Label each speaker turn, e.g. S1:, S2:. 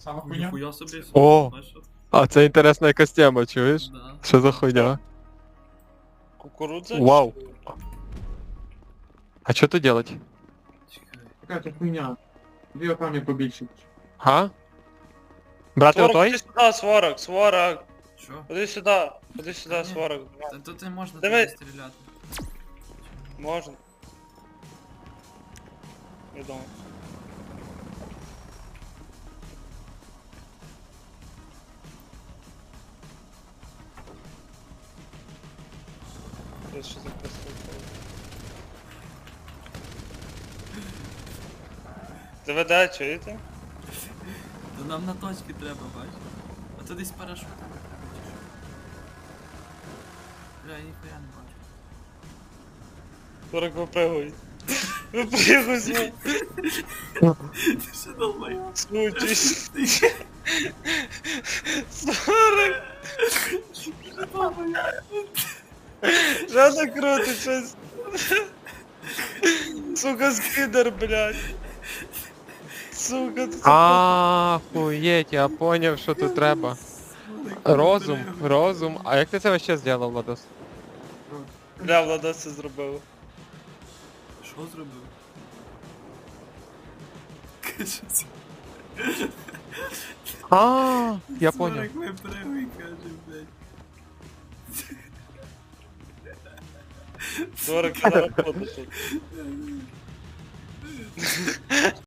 S1: Сама хуйня.
S2: Ніхуя собі.
S3: О!
S2: Знаєш що?
S3: А це інтересна якась тема, чуєш?
S2: Да.
S3: Що за хуйня?
S4: Кукурудза?
S3: Вау. А що тут делать?
S2: Чекай.
S1: Какая-то хуйня. Дві камні побільше.
S3: Га? Брати
S4: 40,
S3: отой?
S4: ходи сюди, сварок, сварок.
S2: Що?
S4: Ходи сюди,
S2: Ні.
S4: сварок.
S2: Та тут не можна
S4: Давай.
S2: туди стріляти.
S4: Можна. Я думаю. Це що за красота? ДВД, чуєте?
S2: То нам на точки треба, бачиш? А то десь парашут. Бля, я ніхуя не бачу.
S4: 40 випригуй. Випригуй,
S2: Ти що долбай?
S4: смучись. 40! Жадно крутить щось. Сука, скидер, блядь. Сука, це...
S3: Ахуєть, я поняв, що тут треба. Розум, розум. А як ти це вообще зробив, Владос?
S4: Бля, Влада це зробив.
S2: Що зробив? Каже, це.
S3: Я поняв.
S2: Сорок випригуй, каже, блядь.
S4: 40 на роботу тут.